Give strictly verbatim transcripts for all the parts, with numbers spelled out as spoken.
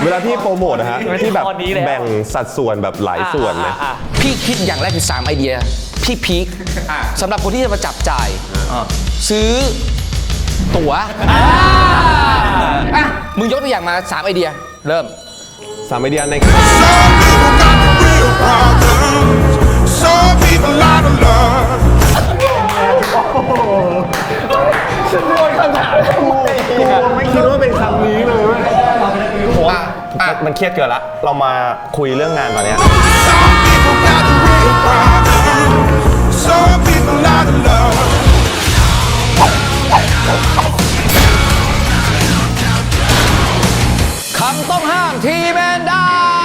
เวลาพี่โปรโมทนะฮะที่แบบแบ่งสัดส่วนแบบหลายส่วนเลยพี่คิดอย่างแรกคือสามไอเดียพี่พีคสำหรับคนที่จะมาจับจ่ายซื้อตั๋วอ่ะมึงยกตัวอย่างมาสามไอเดียเริ่มสามไอเดียใน Some people out of love ฉันโดนคำถามกูไม่คิดว่าเป็นคำนี้เลยผมมันเครียดเกินละเรามาคุยเรื่องงานตอนนี้ Some people got the real problem Some people out of love คำต้องห้ามทีแมนดา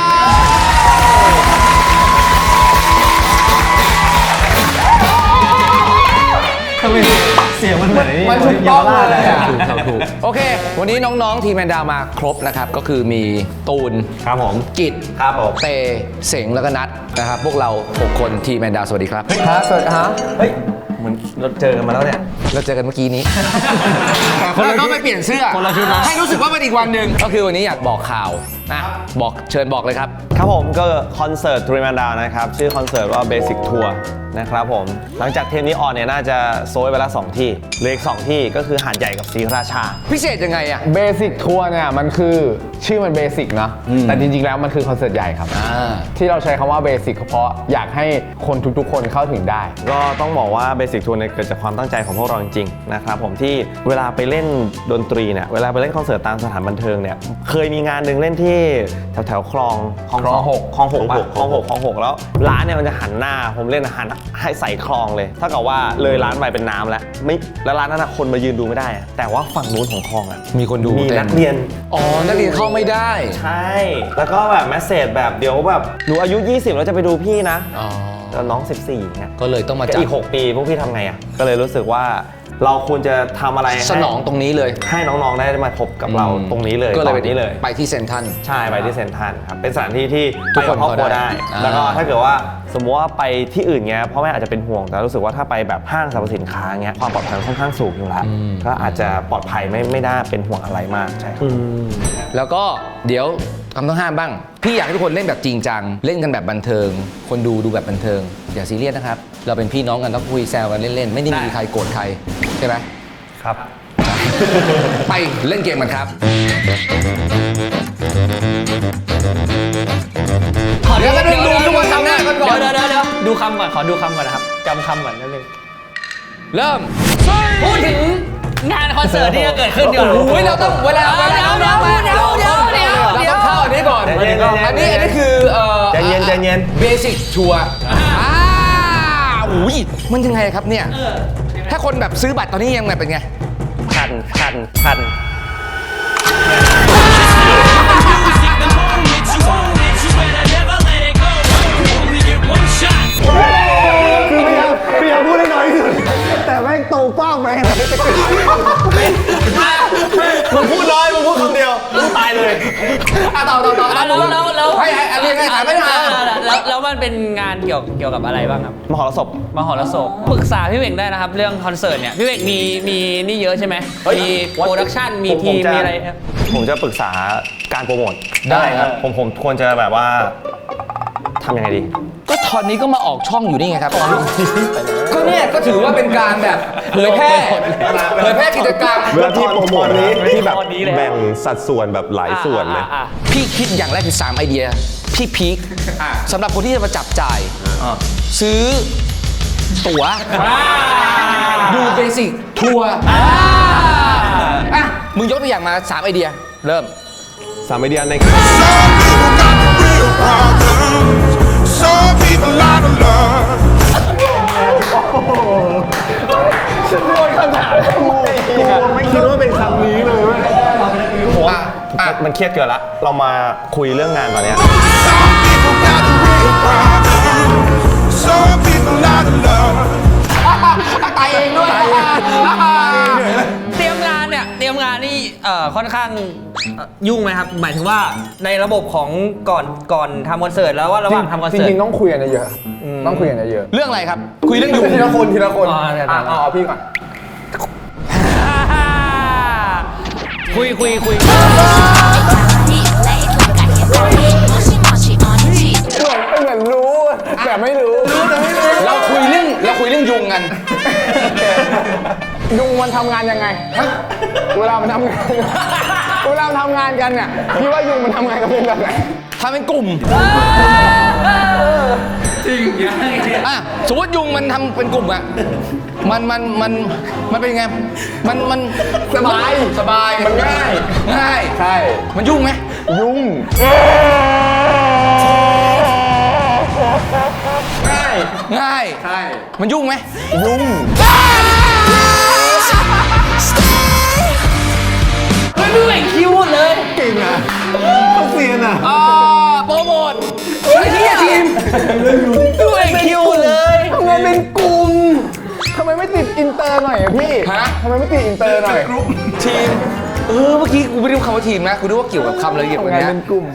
ทำไมเสียงมันเหมือนมันถูกต้องเลยอ่ะถูกโอเควันนี้น้องๆทีมแมนดามาครบนะครับก็คือมีตูนครับผมกิจครับผมเตเสงแล้วก็นัทนะครับพวกเราหกคนทีมแมนดาสวัสดีครับครับสวัสดีฮะเฮ้ยเหมือนเราเจอกันมาแล้วเนี่ยเราเจอกันเมื่อกี้นี้แล้วก็ไปเปลี่ยนเสื้อคนละชุดนะให้รู้สึกว่าเป็นอีกวันหนึ่งก็คือวันนี้อยากบอกข่าวนะบอกเชิญบอกเลยครับครับผมก็คอนเสิร์ตทรีแมนดาวนะครับชื่อคอนเสิร์ตว่า Basic Tour นะครับผมหลังจากเทปนี้ออนเนี่ยน่าจะโซยไปแล้วสองที่เหลืออีกสองที่ก็คือหาดใหญ่กับศรีราชาพิเศษยังไงอะ Basic Tour เนี่ยมันคือชื่อมันเบสิกนะแต่จริงๆแล้วมันคือคอนเสิร์ตใหญ่ครับที่เราใช้คำว่าเบสิกเพราะอยากให้คนทุกๆคนเข้าถึงได้ก็ต้องบอกว่า Basic Tour เนี่ยเกิดจากความตั้งใจของพวกเราจริงๆนะครับผมที่เวลาไปเล่นดนตรีเนี่ยเวลาไปเล่นคอนเสิร์ตตามสถานบันเทิงเนี่ยเคยมีงานหนึ่งเล่นที่แถวแถวคลองคลองหกคลองหกคลองหกคลองหกแล้วร้านเนี่ยมันจะหันหน้าผมเล่นหันให้ใส่คลองเลยถ้ากับว่าเลยร้านไปเป็นน้ำแล้วไม่แล้วร้านนั้นคนมายืนดูไม่ได้แต่ว่าฝั่งนู้นของคลองอ่ะมีคนดูมีนักเรียนอ๋อนักเรียนเข้าไม่ได้ใช่แล้วก็แบบแมสเสจแบบเดี๋ยวแบบหนูอายุยี่สิบแล้วจะไปดูพี่นะแล้วน้องสิบสี่เนี่ยก็เลยต้องมาจัดอีกหกปีพวกพี่ทำไงอ่ะก็เลยรู้สึกว่าเราควรจะทำอะไรสนองตรงนี้เลยให้น้องๆได้มาพบกับเราตรงนี้เลยก็เลยไปนี้เลยไปที่เซ็นทรัลใช่ไปที่เซ็นทรัลครับเป็นสถานที่ที่ทุกคนครอบครัวได้แล้วก็ถ้าเกิดว่าสมมติว่าไปที่อื่นเงี้ยพ่อแม่อาจจะเป็นห่วงแต่รู้สึกว่าถ้าไปแบบห้างสรรพสินค้าเงี้ยความปลอดภัยค่อนข้างสูงอยู่แล้วก็อาจจะปลอดภัยไม่ไม่ได้เป็นห่วงอะไรมากใช่ครับแล้วก็เดี๋ยวคำต้องห้ามบ้างพี่อยากให้ทุกคนเล่นแบบจริงจังเล่นกันแบบบันเทิงคนดูดูแบบบันเทิงอย่าซีเรียสนะครับเราเป็นพี่น้องกันต้องคุยแซวกันเล่นๆไม่ได้มีใครโกรธใครใช่ไหมครับไปเล่นเกมกันครับเดี๋ยวดูทุกคนทำหน้ากันก่อนเดี๋ยวเดี๋ยวเดี๋ยวดูคำก่อนขอดูคำก่อนนะครับจำคำก่อนนิดนึงเริ่มพูดถึงงานคอนเสิร์ตที่จะเกิดขึ้นเดี๋ยวโอ้ยเราต้องเวลาเดี๋ยวเดี๋ยวเดี๋ยวเดี๋ยวเดี๋ยวเดี๋ยวเข้าอันนี้ก่อนอันนี้อันนี้คือเอ่อใจเย็นใจเย็นเบสิกชัวร์อ่าอุ้ยมันยังไงครับเนี่ยถ้าคนแบบซื้อบัตรตอนนี้ยังไงเป็นไงพันพันพันคือพยายามพยายามพูดได้น้อยที่สุดแต่แม่งโตป้าแม่งมึงพูดน้อยมึงพูดคำเดียวมึงตายเลยอ่ะต่อต่อต่อแล้วแล้วแล้วให้ให้เรียนให้ถามไม่ถามแล้วแล้วมันเป็นงานเกี่ยวเกี่ยวกับอะไรบ้างครับมหรสพมหรสพปรึกษาพี่เวงได้นะครับเรื่องคอนเสิร์ตเนี่ยพี่เวงมีมีนี่เยอะใช่ไหมมีโปรดักชั่นมีทีมมีอะไรผมจะปรึกษาการโปรโมทได้ครับผมผมควรจะแบบว่าทำยังไงดีก็ตอนนี้ก็มาออกช่องอยู่นี่ไงครับก็เนี่ยก็ถือว่าเป็นการแบบเผยแพร่เผยแพร่กิจกรรมเวลาที่โปรโมทนี้ที่แบบแบ่งสัดส่วนแบบหลายส่วนเลยพี่คิดอย่างแรกคือสามไอเดียพี่พีคสำหรับคนที่จะมาจับจ่ายซื้อตั๋วดูเบสิกทัวร์อ่ะมึงยกตัวอย่างมาสามไอเดียเริ่มสามไอเดียใน Some people out of love ฉันโดนคำถามกูไม่คิดว่าเป็นคำนี้เลยผมว่ามันเครียดเกินละเรามาคุยเรื่องงานตอนนี้ Some people got the real problem Some people out of love ตายเองด้วยเตรียมงานเนี่ยเตรียมงานนี่เอ่อค่อนข้างยุ่งไหมครับหมายถึงว่าในระบบของก่อนก่อนทำคอนเสิร์ตแล้วว่าระหว่างทำคอนเสิร์ตจริงๆต้องคุยกันเยอะต้องคุยกันเยอะเรื่องอะไรครับคุยเรื่องอยู่ทีละคนทีละคนอ๋อเอาพี่ก่อนคุยคุยคุยมันทำงานยังไง เวลามันทำงาน เวลามันทำงานกันเนี่ยพี่ว่ายุงมันทำงานกันเป็นแบบไหนทำเป็นกลุ่มจริงอ่ะสมมติยุงมันทำเป็นกลุ่มอะมันมันมันมันเป็นไงมันมันสบายสบายมันง่ายง่ายใช่มันยุ่งไหมยุ่งง่ายง่ายใช่มันยุ่งไหมยุ่งไม่ดูไอ้คิวเลยเก่งอ่ะเขาเซียนอ่ะอ่าโปรโมทไอ้ที่ทีมดูไอ้คิวเลยทำไมเป็นกลุ่มทำไมไม่ติดอินเตอร์หน่อยอะพี่ฮะทำไมไม่ติดอินเตอร์หน่อยทีมเออเมื่อกี้กูไม่ได้รู้คำว่าทีมนะกูนึกว่าเกี่ยวกับคำอะไรเกี่ยวกับทำงานเนี้ยเป็นกลุ่ม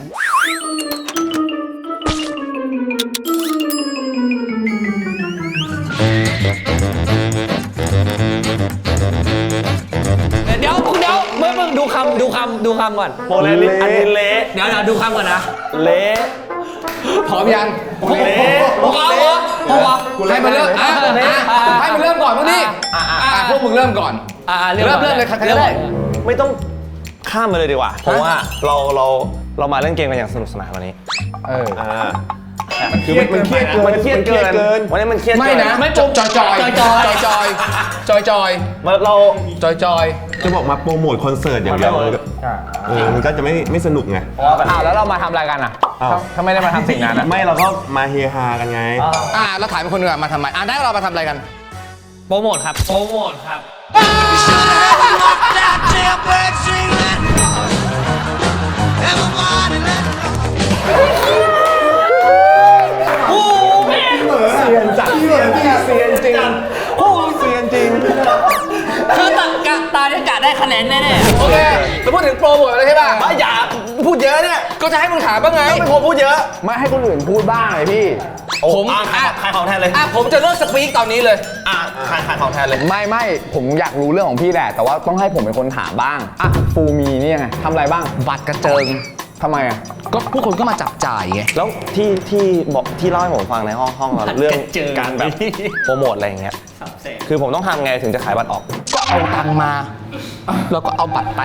เดี๋ยวเดี๋ยวเมื่อมึงดูคำดูคำดูคำก่อนโปรแลนด์อันนี้เละเดี๋ยวเดี๋ยวดูคำก่อนนะเละพร้อมยังเละโอ้โหโอ้โหให้มันเริ่มอ่ะอ่ะให้มันเริ่มก่อนพวกนี้อ่ะพวกมึงเริ่มก่อนอ่าเริ่มเริ่มเลยครับเริ่มได้ไม่ต้องข้ามมาเลยดีกว่า เพราะว่าเราเราเรามาเล่นเกมกันอย่างสนุกสนานวันนี้เออคือมันเครียดเกินมันเครียดเกินวันนี้มันเครียดไม่เกินนะไม่จบจอยจอยจอยจอยจอยจอยมันเราจอยจอยจะบอกมาโปรโมทคอนเสิร์ตอย่างเดียวมันก็เออมันก็จะไม่ไม่สนุกไงอ้าวแล้วเรามาทำอะไรกันอ่ะอ้าวถ้าถ้าไม่ได้มาทำสิ่งนั้นอะไม่เราก็มาเฮฮากันไงอ่ะเราถ่ายเป็นคนอื่นมาทำไมอ่ะได้เรามาทำอะไรกันโปรโมทครับ โปรโมทครับเซียนจัดเซียนจริงเซียนจริงโอ้เซียนจริงคือตากะตาเนี่ยกะได้คะแนนแน่ๆโอเคเราพูดถึงโปรโมทเลยใช่ป่ะอย่าพูดเยอะเนี่ยก็จะให้มึงถามบ้างไงไม่พอพูดเยอะไม่ให้คนอื่นพูดบ้างเลยพี่ผมอ่ะขายขายของแทนเลยอ่ะผมจะเลิกสปีกตอนนี้เลยอ่ะขายขายของแทนเลยไม่ไม่ผมอยากรู้เรื่องของพี่แหละ แต่ว่าต้องให้ผมเป็นคนถามบ้างอ่ะฟูมีนี่ยังไงทำอะไรบ้างบัตรกระเจิงทำไมอ่ะก็ผู้คนก็มาจับจ่ายไงแล้วที่ที่บอกที่เล่าให้ผมฟังในห้องห้องเราเรื่องการแบบโปรโมทอะไรอย่างเงี้ยคือผมต้องทำไงถึงจะขายบัตรออกก็เอาตังค์มาแล้วก็เอาบัตรไป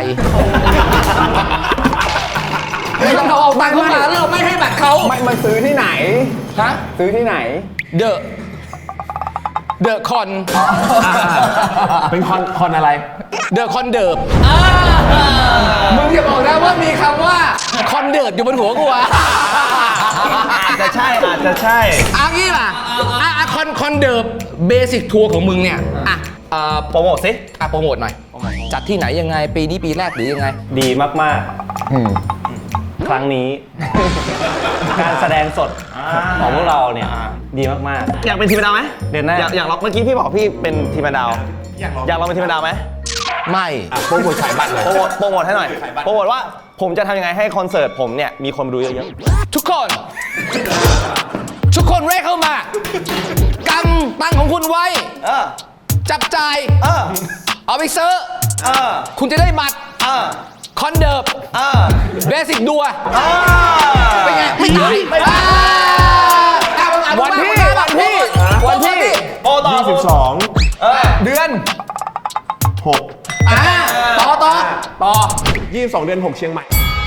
เราเอาตังค์เข้ามาแล้วเราไม่ให้บัตรเขาไม่มันซื้อที่ไหนฮะซื้อที่ไหนเดอะเดอะคอนเป็นคอนคอนอะไรเดอะคอนเดิร์บมึงอย่าบอกนะว่ามีคำว่าคอนเดิร์บอยู่บนหัวกูอะอาจจะใช่อาจจะใช่อ่ะงี้ป่ะอ่ะอ่ะคอนคอนเดิร์บเบสิกทัวร์ของมึงเนี่ยอ่ะเอ่อโปรโมทสิอ่ะโปรโมทหน่อย จัดที่ไหนยังไง ปีนี้ปีแรกหรือยังไงดีมากอืมๆ ครั้งนี้ การแสดงสดของพวกเราเนี่ยดีมากๆ อยากเป็นทีมดาวไหมเด่นหน้าอยากอยากลองเมื่อกี้พี่บอกพี่เป็นทีมดาว อยากลองอยากลองเป็นทีมดาวไหมไม่โปรโมทขายบัตรเลยโปรโมทโปรโมทให้หน่อยโปรโมทว่าผมจะทำยังไงให้คอนเสิร์ตผมเนี่ยมีคนมาดูเยอะทุกคน ทุกคนเร่เข้ามากำตังค์ของคุณไว้ๆเออจับจ่ายเออเอาไปซื้อเออคุณจะได้บัตรเออคอนเดิร์บเออเบสิกดัวเออเป็นไง ไม่ตายไม่ตายอ่าอ่ะวันที่วันที่วันที่โปรต่อยี่สิบสองเดือนหกอ่าต่อต่อต่อยี่สิบสองเดือนหกเชียงใหม่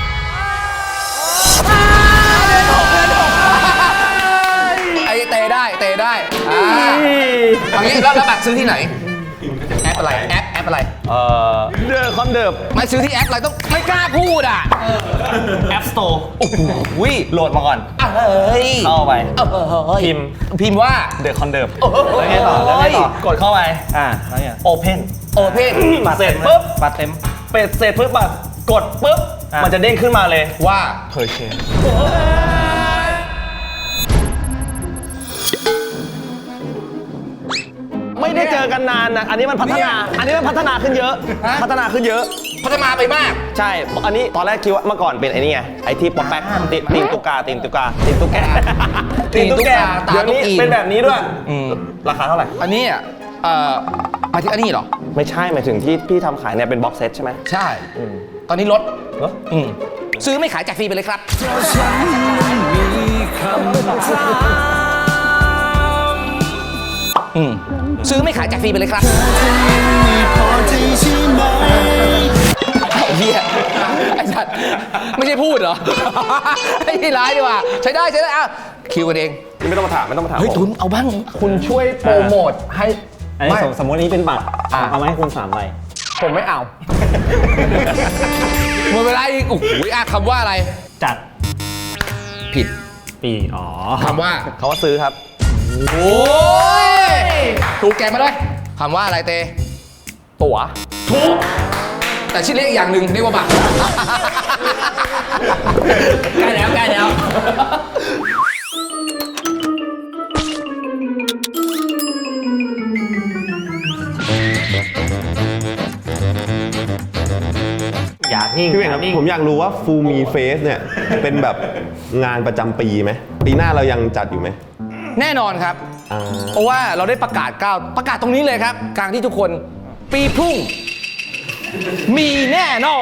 ไอเตะได้เตะได้อ่าเอางี้แล้วแล้วบัตรซื้อที่ไหน แอปอะไร แอปแอปอะไรเออเดอคอนเดิร์บไม่ซื้อที่แอปอะไรต้องไม่กล้าพูดอ่ะแอปสโตร์โอ้โหโหลดมาก่อนอ่ะเฮ้ยเข้าไปเออเฮ้ยพิมพ์พิมพ์ว่าเดอะคอนเดิร์บโอ้โหแล้วไงต่อแล้วไงต่อกดเข้าไปอ่าแล้วไงโอเพนโอเพนบัตรเสร็จปุ๊บบัตรเต็มเป็ดเสร็จปุ๊บบัตรกดปุ๊บมันจะเด้งขึ้นมาเลยว่าเพอร์เชนไม่ได้เจอกันนานนะอันนี้มันพัฒนา อันนี้มันพัฒนาขึ้นเยอะ พัฒนาขึ้นเยอะพัฒนาไปมากใช่ อันนี้ตอนแรกคิดว่าเมื่อก่อนเป็นไอ้นี่ไง ไอ้ที่ป๊อกแป๊กตีตีนตุกาตีนตุกาตีนตุกแกตีนตุ๊กแกตาเดี๋ยวนี้ตุ๊กอีเป็นแบบนี้ด้วยอืมราคาเท่าไหร่อันนี้อ่ะเอ่อหมายถึงอันนี้เหรอไม่ใช่หมายถึงที่พี่ทำขายเนี่ยเป็นบ็อกเซตใช่ไหมใช่ ตอนนี้ลดเหรออืมซื้อไม่ขายแจกฟรีไปเลยครับ อืมซื้อไม่ขายแจกฟรีไปเลยครับเฮียไอ้สัตว์ไม่ใช่พูดเหรอ ไอ้ที่ร้ายดีกว่าใช้ได้ใช้ได้อ่ะคิวกันเองไม่ต้องมาถามไม่ต้องมาถามเฮ้ยผมทุนเอาบ้างคุณช่วยโปรโมทให้อันนี้ไม่สมสมมตินี้เป็นบัตรอ่ะเอามาให้คุณสามใบผมไม่เอาหมดเวลาอีกโอ้โหอ่ะคำว่าอะไรจัดผิดปี อ๋อคำว่าเขาว่าซื้อครับโอ้ยถูกแกะมาด้วยคำว่าอะไรเตตั๋วถูกแต่ชื่อเรียกอีกอย่างหนึ่งเรียกว่าบัตรใกล้แล้วใกล้แล้วอยากนิ่งพี่เวงครับนิ่งผมอยากรู้ว่าฟูมีเฟสเนี่ย เป็นแบบงานประจำปีไหม ปีหน้าเรายังจัดอยู่ไหมแน่นอนครับอ่าเพราะว่าเราได้ประกาศก้าวประกาศตรงนี้เลยครับ กลางที่ทุกคนปีพรุ่ง มีแน่นอน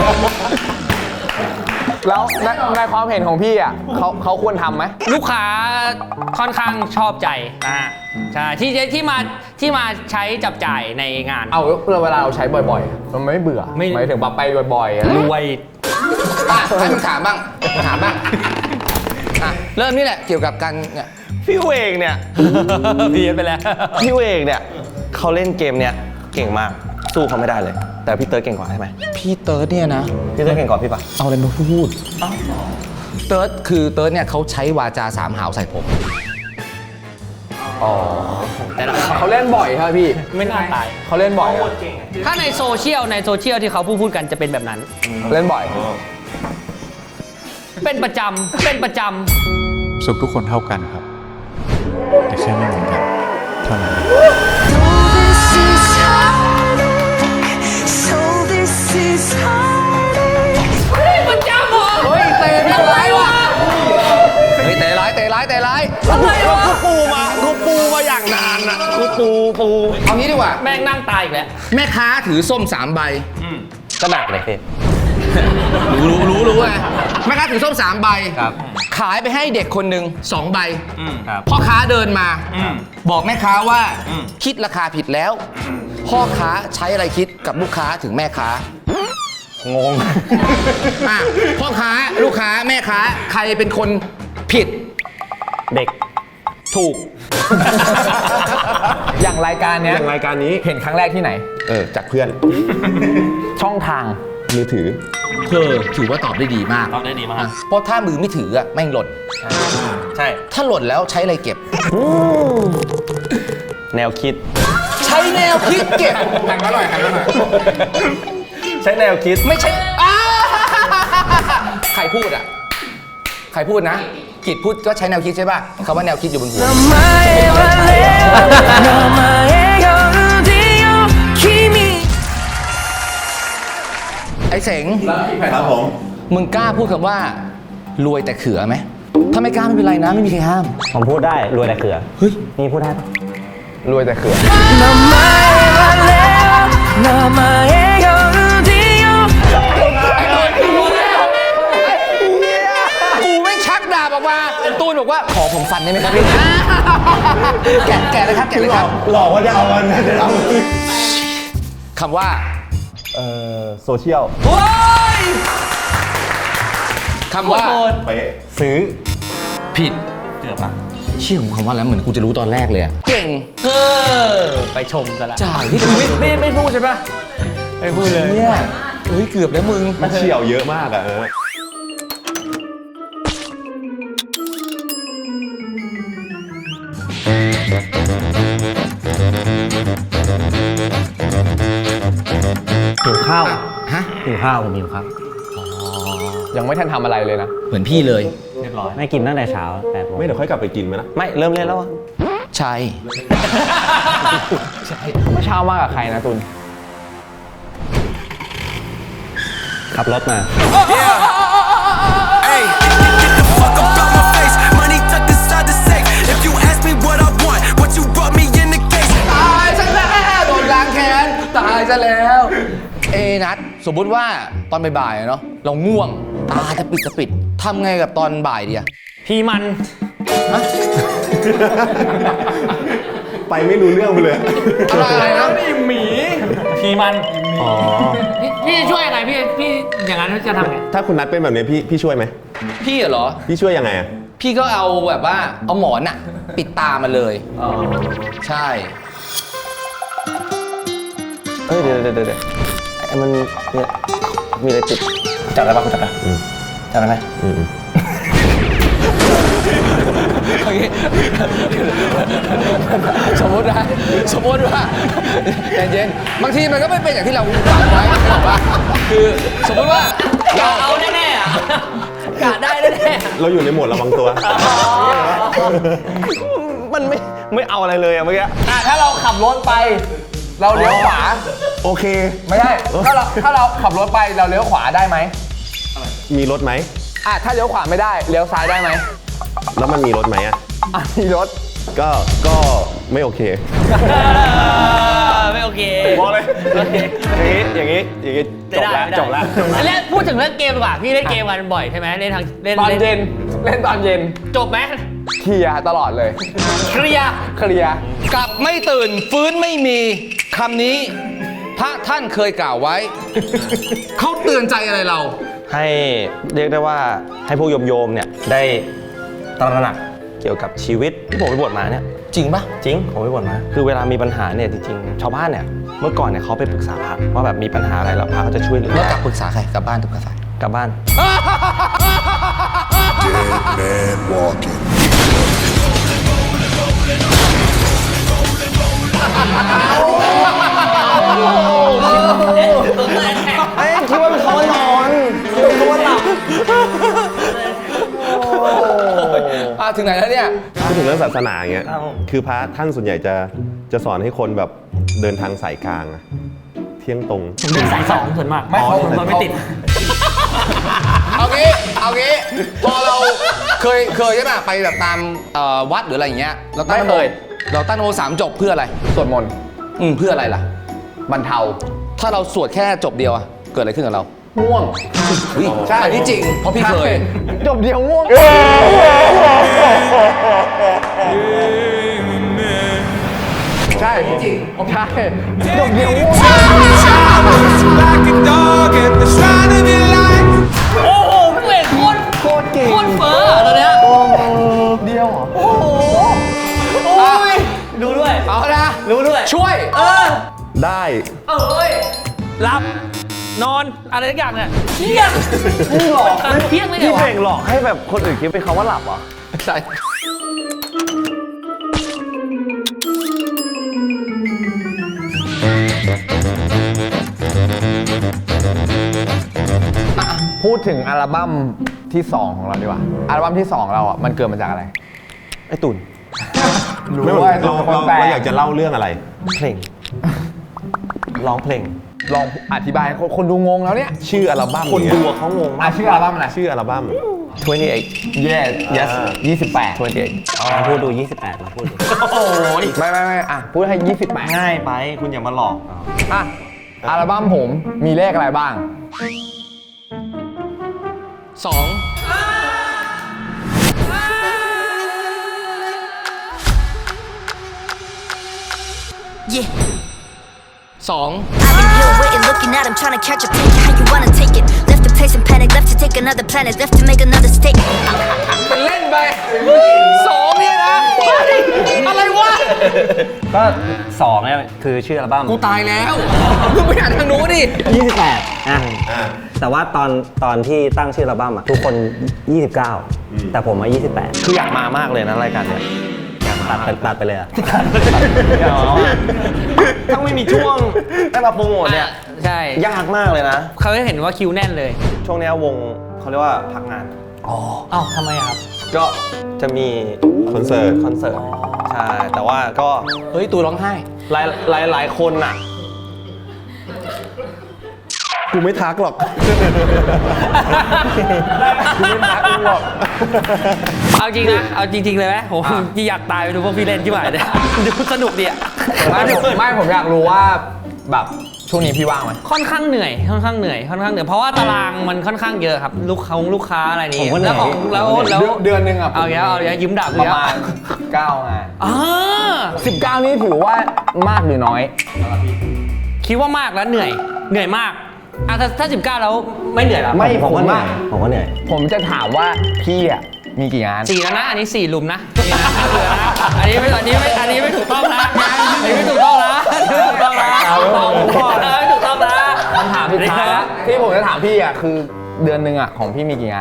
แล้วในในความเห็นของพี่อ่ะเขาเขาควรทำไหมลูกค้าค่อนข้างชอบใจอ่าใช่ที่ที่มาที่มาใช้จับจ่ายในงานเอาเวลาเราใช้บ่อยๆ มันไม่เบื่อไม่หมายถึงแบบไปบ่อยๆอะรวยอ่ะให้มันถามบ้างถามบ้างอ่ะเริ่มนี่แหละเกี่ยวกับการเนี่ยพี่เวงเนี่ยเพี้ยนไปแล้วพี่เวงเนี่ยเขาเล่นเกมเนี่ยเก่งมากสู้เขาไม่ได้เลย แต่พี่เติร์ดเก่งกว่าใช่ไหมพี่เติร์ดเนี่ยนะพี่เติร์ดเก่งกว่าพี่ปะเอาอะไรมาพูดเติร์ดคือเติร์ดเนี่ยเขาใช้วาจาสามหาวใส่ผมแต่ละเขาเล่นบ่อยครับพี่ไม่น่าตายเขาเล่นบ่อยอะถ้าในโซเชียลในโซเชียลที่เขาพูดพูดกันจะเป็นแบบนั้นเล่นบ่อยเป็นประจำเป็นประจสุขทุกคนเท่ากันครับ แต่แค่ไม่เหมือนกันเท่านั้น So this is heartache. ำประจำเหรอเฮ้ยเตะไม่ร้ายว่ะเฮ้ยเตะร้ายเตะร้ายเตะร้ายอะไรวะกูปูมากูปูมาอย่างนานอ่ะกูปูปูเอางี้ดีกว่าแม่งนั่งตายอีกแล้วแม่ค้าถือส้มสามใบก็หนักเลยพี่รู้รู้รู้รู้ไงแม่ค้าถือส้มสามใบครับขายไปให้เด็กคนหนึ่งสองใบครับพ่อค้าเดินมา บอกแม่ค้าว่าคิดราคาผิดแล้ว พ่อค้าใช้อะไรคิดกับลูกค้าถึงแม่ค้างงอ่ะพ่อค้าลูกค้าแม่ค้าใครเป็นคนผิดเด็กถูกอย่างรายการเนี้ยอย่างรายการนี้เห็นครั้งแรกที่ไหนเออ จากเพื่อนช่องทางมือถือเธอถือว่าตอบได้ดีมากตอบได้ดีมากอ่ะเพราะถ้ามือไม่ถืออ่ะแม่งหล่นใช่ถ้าหล่นแล้วใช้อะไรเก็บแนวคิดใช้แนวคิดเก็บหันมาหน่อยหันมาหน่อยใช้แนวคิดไม่ใช่อ้าใครพูดอ่ะ ใครพูดนะ กิจพูดก็ใช้แนวคิดใช่ป่ะคำว่าแนวคิดอยู่บนหัว ไอ้เสงครับผมมึงกล้าพูดคำว่ารวยแต่เขือไหม ถ้าไม่กล้าไม่เป็นไรนะ ไม่มีใครห้ามผมพูดได้ รวยแต่เขือเฮ้ยนี่พูดได้ปะรวยแต่เขื่อนกูไม่ชักดาบออกมา ตูนบอกว่า ขอผมฟันได้ไหมครับพี่ แกะแกะเลยครับ แกะเลยครับหลอกว่าจะเอาเงินเดี๋ยวเอาคำว่าเอ่อโซเชียลคำว่าเป๊ะซื้อผิด เกือบอะเชื่อของคำว่าแล้วเหมือนกูจะรู้ตอนแรกเลยอะเก่งเออ ไปชมซะละจ่ายที่ไม่ไม่ไม่พูดใช่ปะไม่พูดเลยเนี่ยเฮ้ย เกือบแล้วมึงมันเฉียวเยอะมากอะเออหิวข้าวฮะหิวข้าวผมหิวข้าวยังไม่ทันทำอะไรเลยนะเหมือนพี่เลยเรียบร้อยไม่กินตั้งแต่เช้าแปดโมงไม่เดี๋ยวค่อยกลับไปกินไหมนะไม่เริ่มเล่นแล้วอะใช่เมื่อเช้ามากับใครนะตุนขับรถมา Hey, get the fuck up out my face. Money tucked inside the safe. If you ask me what I want, what you brought me in the case. ตายซะแล้วโดนล้างแค้นตายซะแล้ว เอนัทสมมุติว่าตอนบ่ายๆอะเนาะเราง่วง ตาจะปิดจะปิดทำไงกับตอนบ่ายดีอะพี่มันฮะไปไม่รู้เรื่องไปเลยอะไรอะไรนะทีมันอ๋อพี่พี่จะช่วยยังไงพี่พี่อย่างนั้นจะทำไงถ้าคุณนัดเป็นแบบนี้พี่พี่ช่วยไหมพี่เหรอพี่ช่วยยังไงอะพี่ก็เอาแบบว่าเอาหมอนอะปิดตามันเลย ใช่เอ้ยเดี๋ยวเดี๋ยวเดี๋ยวไอ้มันเนี่ยมีอะไรติดจับได้ปะคุณจับได้จับได้ไหมอืมสมมตินะสมมติว่าใจเย็นบางทีมันก็ไม่เป็นอย่างที่เราฝันไว้หรอกว่าคือสมมติว่าเราเอาแน่ๆอ่ะกะได้แน่เราอยู่ในโหมดระวังตัวมันไม่ไม่เอาอะไรเลยอะเมื่อกี้อ่ะถ้าเราขับรถไป เราเลี้ยวขวาโอเคไม่ใช่ถ้าเราถ้าเราขับรถไปเราเลี้ยวขวาได้ไหมมีรถไหมอ่ะถ้าเลี้ยวขวาไม่ได้เลี้ยวซ้ายได้ไหมแล้วมันมีรถไหมอะอ่ะมีรถก็ก็ไม่โอเคๆไม่โอเคบอกเลยอย่างนี้อย่างนี้อย่างนี้จบแล้วจบแล้วเล่นพูดถึงเรื่องเกมดีกว่าพี่เล่นเกมกันบ่อยใช่ไหมเล่นทางเล่นตอนเย็นเล่นตอนเย็นจบไหมเคลียร์ตลอดเลยเคลียร์เคลียร์กลับไม่ตื่นฟื้นไม่มีคำนี้พระท่านเคยกล่าวไว้ เขาเตือนใจอะไรเราให้เรียกได้ว่าให้พวกโยมโยมๆเนี่ยได้ตระหนักเกี่ยวกับชีวิตที่ผมไปบวชมาเนี่ยจริงปะจริงผมไปบวชมา คือเวลามีปัญหาเนี่ยจริงๆชาวบ้านเนี่ยเมื่อก่อนเนี่ยเขาไปปรึกษาพระว่าแบบมีปัญหาอะไรแล้วพระเขาจะช่วยเหลือแล้วกลับปรึกษาใครกลับบ้านปรึกษาใครกลับบ้าน เอ้ยคิดว่าเป็นเขานอนคิดว่าเขาหลับอ่ะถึงไหนแล้วเนี่ยพูดถึงเรื่องศาสนาอย่างเงี้ย คือพระท่านส่วนใหญ่จะจะสอนให้คนแบบเดินทางสายกลางอะเที่ยงตรงผมเดินสายสองส่วนมากไม่ผมโดนไม่ติดเอางี้เอางี้พอเราเคยเคยใช่ไหมไปแบบตามเอ่อวัดหรืออะไรอย่างเงี้ยเราตั้งไม่นโมเคยเราตั้งนโมสามจบเพื่ออะไรสวดมนต์อืมเพื่ออะไรล่ะบรรเทาถ้าเราสวดแค่จบเดียวอะเกิดอะไรขึ้นกับเราง่วงอุ๊ยอันนี้จริงเพราะพี่เคยจบเดียวง่วง ใช่จริงใช่จบเดียวง่วง Like a dog at the shrine of your life. โอ้โหพี่เอกโคตรโคตรเก่งโคตรเฟ้ออะตอนเนี้ยเดียวเหรอโอ้โหโอ้ยดูด้วยเอาละรู้ด้วยช่วยเออได้เอ้ยหลับ นอน อะไรทุกอย่างเนี่ยเที่ยงหลอกเที่ยงเลยเหรพี่อเพวะลงหลอกให้แบบคนอื่นคิดเป็นคำว่าหลับเหรอใช่พูดถึงอัลบั้มที่สองของเราดีกว่า อัลบั้มที่สองเราอ่ะมันเกิดมาจากอะไรไอ้ตุ่นรู้ไม่ว่าเราคนเราแปลเราอยากจะเล่าเรื่องอะไรเพลงร้องเพลงลองอธิบายให้คนคนดูงงแล้วเนี่ยชื่ออัลบั้มคนเยดูอะเขางงอ่ะมากชื่ออัลบั้มอะไรชื่ออัลบั้ม twenty-eight yes yes ยี่สิบแปด twenty-eight ลองพูดดูยี่สิบแปดมาพูดดูโอ้ยไม่ไม่ไม่อ่ะพูดให้ยี่สิบแปดง่ายไปคุณอย่ามาหลอกอ่ะอัลบั้มผมมีเลขอะไรบ้างสองสอง I've been here waiting, looking at him, trying to catch a picture. How you wanna take it? Left to place and panic, left to take another planet, left to make another statement. เป็นเล่นไปสองเนี่ยนะอะไรวะก็สองเนี่ยคือชื่ออัลบั้มกูตายแล้วมึงไปอ่านทางนู้นดิยี่สิบแปดอ่ะแต่ว่าตอนตอนที่ตั้งชื่ออัลบั้มอ่ะทุกคนยี่สิบเก้าแต่ผมมายี่สิบแปดคืออยากมามากเลยนะรายการเนี้ยตัดไปตัดไปเลยอ่ะถ้าไม่มีช่วงได้มาโปรโมทเนี่ยใช่ยากมากเลยนะเขาจะเห็นว่าคิวแน่นเลยช่วงเนี้ยวงเขาเรียกว่าพักงานอ๋อเอ้าทำไมอะครับก็จะมีคอนเสิร์ตคอนเสิร์ตใช่แต่ว่าก็เฮ้ยตูร้องไห้หลายหลายหลายคนน่ะกูไม่ทักหรอกกูไม่ทักมึงหรอกเอาจริงนะ เอาจริง ๆ เลยไหมผมอยากตายไปดูพวกพี่เล่นที่ไหนเนี่ยดูสนุกดีอะไม่ผมไม่ผมอยากรู้ว่าแบบช่วงนี้พี่ว่างไหมค่อนข้างเหนื่อยค่อนข้างเหนื่อยค่อนข้างเหนื่อยเพราะว่าตารางมันค่อนข้างเยอะครับลูกค้าลูกค้าอะไรนี่ผมก็เหนื่แล้อวย ของแล้วแล้วเดือนเดือนหนึงอ่ะเอาอย่างเงี้ยเอาอย่างเงี้ยยิ้มด่าปกูระแล้วมาณเก้างานอ่าสิบเก้านี่ถือว่ามากหรือน้อยคิดว่ามากแล้วเหนื่อยเหนื่อยมากอ่ะถ้าถ้าสิบเก้าแล้วไม่เหนื่อยแล้วไม่ผมผมก็เหนื่ว่าอยผมก็เหนื่อยผมจะถามว่าพี่อ่ะมีกี่งานสี่แล้วนะอันนี้สี่ลุมนะนี่นะไม่เหลือนะอันนี้ไม่อันนี้ไม่อันนี้ไม่ถูกต้องนะอันนี้ไม่ถูกต้องนะไม่ถูกต้องนะบอกผมก่อนนะไม่ถูกต้องนะคำถามสุดท้ายละที่ผมจะถามพี่อ่ะคือเดือนหนึ่งอ่ะของพี่มีกี่งาน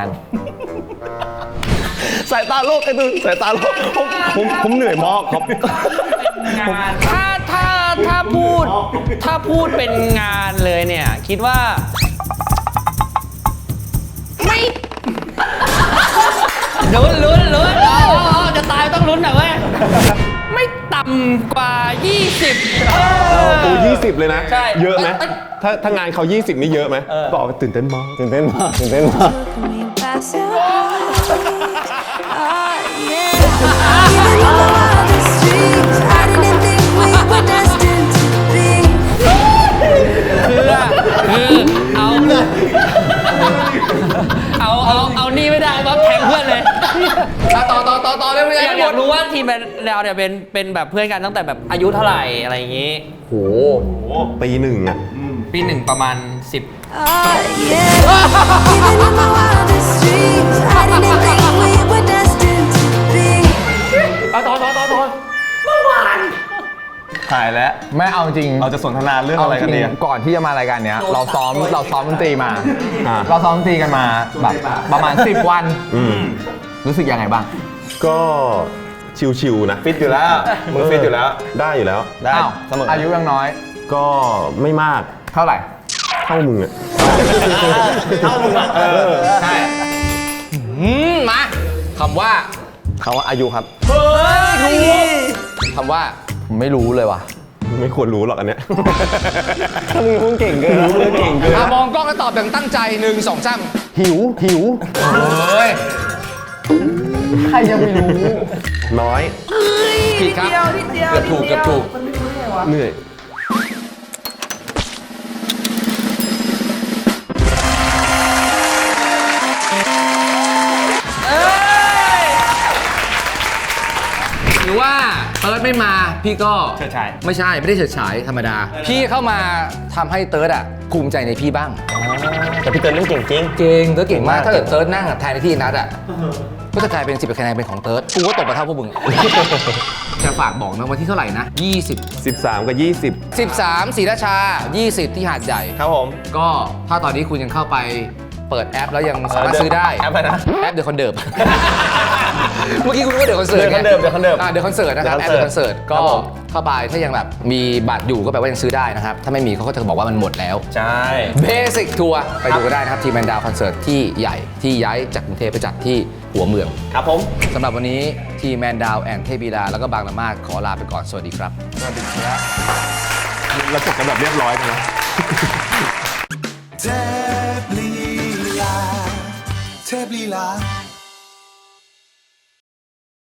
สายตาโลกไอ้ดูสายตาโลกผมผมผมเหนื่อยมากครับถ้าถ้าถ้าพูดถ้าพูดเป็นงานเลยเนี่ย คิดว่า ไม่ลุ้นลุ้นลุ้นเอาเอาเอาจะตายต้องลุ้นหน่อยเว้ยไม่ต่ำกว่า ยี่สิบเออกูยี่สิบเลยนะใช่เยอะไหมเอ้ยถ้าถ้างานเขายี่สิบนี่เยอะไหมบอกว่าตื่นเต้นมากตื่นเต้นมากตื่นเต้นมากคือเอาเอาเอาเอานี่ไม่ได้เพราะแทงเพื่อนเลยอ่ะต่อต่อต่อต่อเร็วๆอยากทั้งอหมยาดกรู้ว่าทีมเราเนี่ยเป็นเป็นแบบเพื่อนกันตั้งแต่แบบอายุเท่าไหร่อะไรอย่างงี้โหปีหนึ่งอ่ะปีหนึ่งประมาณสิบเอาต่อต่อต่อต่อถ่ายแล้วไม่เอาจริงเราจะสนทนาเรื่องอะไรกันดีาจงก่อนที่จะมารายการเนี้ยเราซ้อมเราซ้อมดนตรีมาอ่าเราซ้อมดนตรีกันมาแบบประมาณ สิบ วันอืมรู้สึกยังไงบ้างก็ชิวๆนะฟิตอยู่แล้วมึงฟิตอยู่แล้วได้อยู่แล้วได้อ้าวเสมออายุยังน้อยก็ไม่มากเท่าไหร่เท่ามึงอ่ะเท่ามึงอะเออใช่อืมมาคำว่าเขาว่าอายุครับคำว่าผมไม่รู้เลยว่ะไม่ควรรู้หรอกอันเนี้ยถ้ามึงพูดเก่งเกินพูดเก่งเกินอ่ะมองกล้องแล้วตอบอย่างตั้งใจหนึ่งสองสามหิวหิวเฮ้ยใครจะไปรู้น้อยผิดครับเกือบถูกเกือบถูกเหนื่อยหรือว่าเติร์ดไม่มาพี่ก็เฉิดฉายไม่ใช่ไม่ได้เฉิดฉายธรรมดา พี่เข้ามาทำให้เติร์ดอ่ะภูมิใจในพี่บ้างแต่พี่เติร์นเล่นเก่งจริงเก่งเติร์ดเก่งมากเก่งมากถ้าเกิดเติร์ดนั่งแทนในที่นัดอ่ะก็จะกลายเป็นสิบคะแนนเป็นของเติร์ดกูก็ตกมาเท่าพวกมึง จะฝากบอกนะวันที่เท่าไหร่นะยี่สิบสิบสามกับยี่สิบสิบสามศรีราชายี่สิบที่หาดใหญ่ครับผมก็ถ้าตอนนี้คุณยังเข้าไปเปิดแอปแล้วยังสามารถซื้อได้แอปอะไรนะแอปเดอะคอนเดิร์ เมื่อกี้คุณรู้ว่าเดอะคอนเสิร์ต The Conserve The Conserve อ่าเดอะคอนเสิร์ตนะครับ The แอปเด Conserve อะคอนเสิร์ตคก็รับผมเข้าไปถ้ายังแบบมีบัตรอยู่ก็แปลว่ายังซื้อได้นะครับ ถ้าไม่มีเขาก็จะบอกว่ามันหมดแล้วใช่เบสิกทัวร์ไปดูกันได้นะครับทีมแมนดาวคอนเสิร์ตที่ใหญ่ที่ย้ายจากกรุงเทพไปจัดที่หัวเมืองครับผมสำหรับวันนี้ทีมแมนดาวแอนเทพบีดาแล้วก็บางละมาดขอลาไปก่อนสวัสดีครับเราจบกันแบบเรียบร้อยนะเทพลีลาเทพลีลา